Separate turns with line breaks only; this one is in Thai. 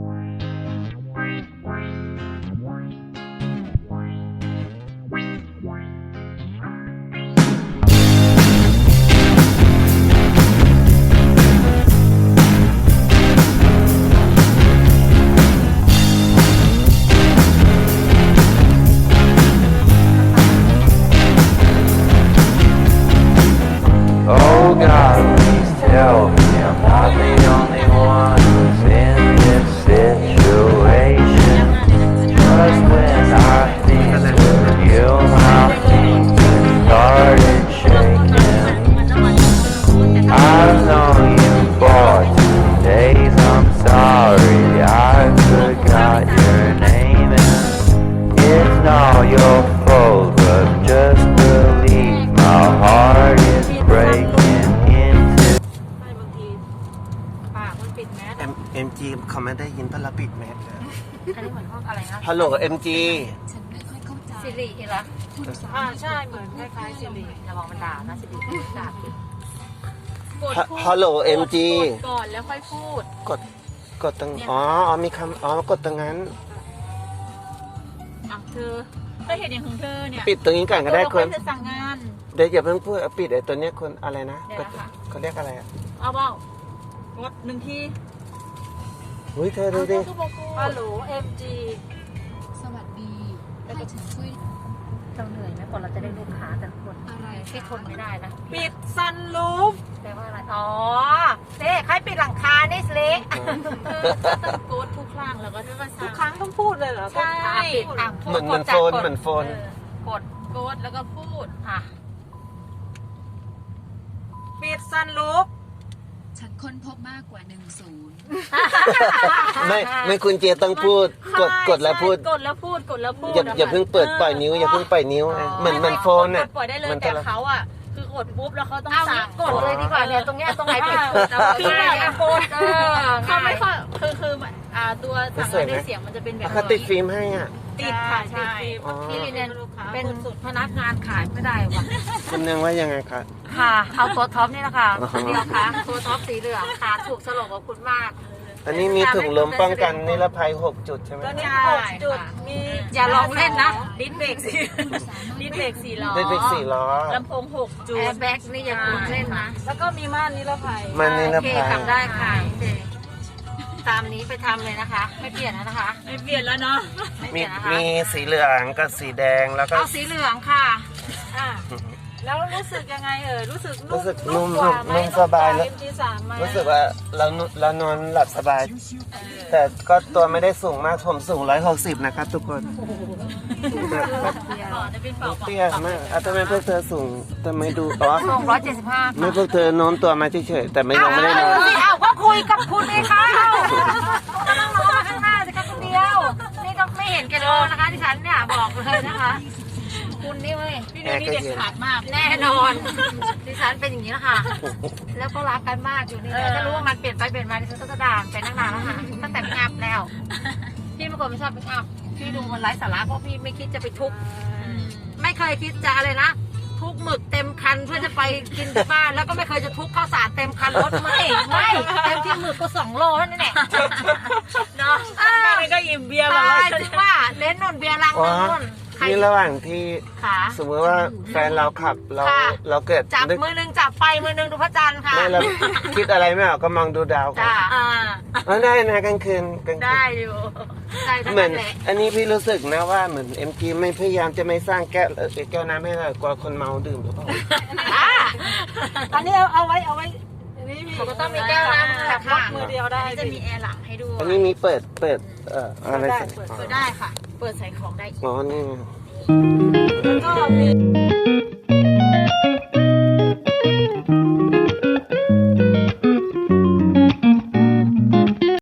Oh God, please tell me I'm not the only one who's in this situation. 'Cause when I think of you, my fingers started shaking. I've known you for 2 days, I'm sorry I forgot your name. And it's not your fault, but just believe my heart is breaking into.
ไม่บางทีปากมันปิดแมส
MG เขาไม่ได้ยินเพราะเราปิดแมส
อันนี้เหมือนห้องอะไรนะ
ฮัลโหล MG
สิริเหรอใช่เหมือนคล้ายๆสิริอย่ามองมันด่านะสิริด่าผิดกดพูด
ฮัลโหล MG
กดก่อนแล้วค่อยพูด
กดตรงอ๋อมีคำกดตรงนั้น
อ่ะเธอก็เห็นอย่างของเธอเนี่ย
ปิดตรงนี้ก่อนก็ได้คน
จะสั่งงาน
เดี๋ยวอย่าเพิ่งพูดเอาปิดไอ้ตัวเนี้ยคนอะไรนะ
เดี๋ยวนะคะ
เขาเรียกอะไรอ่ะ
เอาเปล่ากด1 ที
อุ้ยเธอดูดิ
ฮัลโหล MG
สวัสดีให้ฉันช่วย
เราเหนื่อยไหมก่อนเราจะได้ลูกค้าแต่ละคน
อะไร
ที่ทนไม่ได้นะ
ปิดซันรูฟ
แปลว่าอะไรอ๋อเจ๊ใครปิดหลังคานี่สิ โกดทุกครั้งแล้วก็จะมา
ทุ
สั่
ก
ง
ครั้งต้องพูดเลยเหรอ
ใช่ปิดอ่ะพูด
เหมือน
กด
โฟน
จาก
เหมือนโฟน
กดโกดแล้วก็พูดอ่ะ
ปิดซันรูฟ
ฉันค้นพบมากกว่า10
ไม่คุณเจต้องพูดกดแล้วพูด
กดแล้วพูดกดแล้วพูด
อย่าเพิ่งเปิดปล่อยนิ้วอย่าเพิ่งปล่อยนิ้วเหมือนโฟนอ่ะ
ปล่อยได้เลย
มัน
แต่
ละ
เขาอ่ะคือกดปุ๊บแล้วเขาต้อง
เอา
สั่
งี้
ง
กดเลยดีกว่าเนี่ยตรงเนี้ยตรงไหนปิดกดเอา
คือ
ง่าย
แบบ
ๆกด
เขาไม่ค่อยคือตัวสั่งงานด้วยเสียงมันจะเป็นแบบ
เขาติดฟิล์มให้อ่ะ
ติดค่ะ
ใช่
ติด
อ๋อ
พี่ลินเนี่ยเป็นพนักงานขายไม่ได้ว่ะ
คุณนึงว่ายังไงคะ
ค่ะเอาตัวท็อปนี่แหละค่ะ
อ๋อ
คนเดียวค่ะตัวท็อปสีเหลืองค่ะถูกสลบกับคุณมาก
อันนี้มีถุงลมป้องกันนิรภัย6 จุดใช่ไหม
ตัวนี้
ใช่
6 จุด
ค่ะ
มี
อย่าลองเล่นนะ
ดิสเบรกสี่ดิสเบรก4 ล้อ
ได้เด็ก4 ล้อ
ลำโพง6 จุดแอร์แบ็กนี่อย่าคุณเล่นนะ
แล้วก็มีม่านนิรภัย
มันนิร
โอเค
ภัย
ทำได้ค่ะโอเคตามนี้ไปทำเลยนะคะ ไม่เปลี่ยนแล้วนะคะ
ไม่เปลี่ยนแล้วเนาะ
ไม่เป
มี
ลี่ยนนะคะ
มีสีเหลืองกับสีแดงแล้วก็
เอาสีเหลืองค่ะ
อ่ะแล้วรู้สึกยังไงรู้สึก
รู้สึกนุ่ม
กว่าไห
นุ่มสบายแล้ว
MG3 ไหม
รู้สึกว่าเรานอนหลับสบาย แต่ก็ตัวไม่ได้สูงมากผมสูง160นะครับทุกคน
ก่อนจะเป็นเป่า
เตี้ยมากทำไมพวกเธอสูงทำไมดูอ๋อ
ส่ง175
ไม่พวกเธอโน้มตัวมาเฉยๆแต่ไม่ยังไม่ได้นอน
อ้าวก็คุยกับคุณเองค่ะก็ต้องมองมาข้างหน้าสิคะคนเดียว นี่ต้องไม่เห็นแกันเลยนะคะที่ฉันเนี่ยบอกเลยนะคะ คุณนี่เว้ย
พี่เนยนี่เด็ดขาดมาก
แน่นอนดิฉันเป็นอย่างนี้แล้วค่ะ แล้วก็รักกันมากอยู่นี่แหละถ้ารู้ว่ามันเปลี่ยนไปเปลี่ยนมาดิฉันก็จะด่าไปตั้งนานแล้วค่ะตั้งแต่ไม่อัพแล้ว พี่เป็นคนไม่ชอบไม่อัพพี่ดูมันไร้สาระเพราะพี่ไม่คิดจะไปทุบไม่เคยคิดจะอะไรนะทุกหมึกเต็มคันเพื่อจะไปกินที่บ้านแล้วก็ไม่เคยจะทุกข้าวสารเต็มคันรถไม่เต็มที่หมึกก็2 โลเท่านั้นแหละเนาะ
แค่นี้ก็อิ่มเบียร์มา
ใช่
แล้ว
จริงว่าเน้นนนเบียร์ลัง
อ๋อ
นึงใคร
นี่ระหว่างที่
ขา
สมมติว่าแฟนเราขับเราเกิด
จับ
นึก
มือหนึงจับไฟมือหนึงดูพระจันทร์ค่ะ
ไม่เราคิดอะไรไม่ออกก็มองดูดาวก่อน
จ้า
ได้นะกลางคืน
ได้อยู่ใช่ทั้ง
เหมือ
นั้น นแหละ
อันนี้พี่รู้สึกนะว่าเหมือน MG ไม่พยายามจะไม่สร้างแก้วน้ำให้เรากลัวคนเมาดื่มหรือเปล่า
อันนี้เอาไว้อันนี้มี
ผมก็ต้องมีแก้วน้ำ
แบบล็
ค่ะ
อกมือเดียวได้
จะมีแอร์หลังให้ด้วย
อันนี้มีเปิดอะไร
ได้
ใส่
เปิด
เปิดได้ค่ะ เปิดใส่ของได้อีก
อ๋อนี่ไง
แล้วก็มี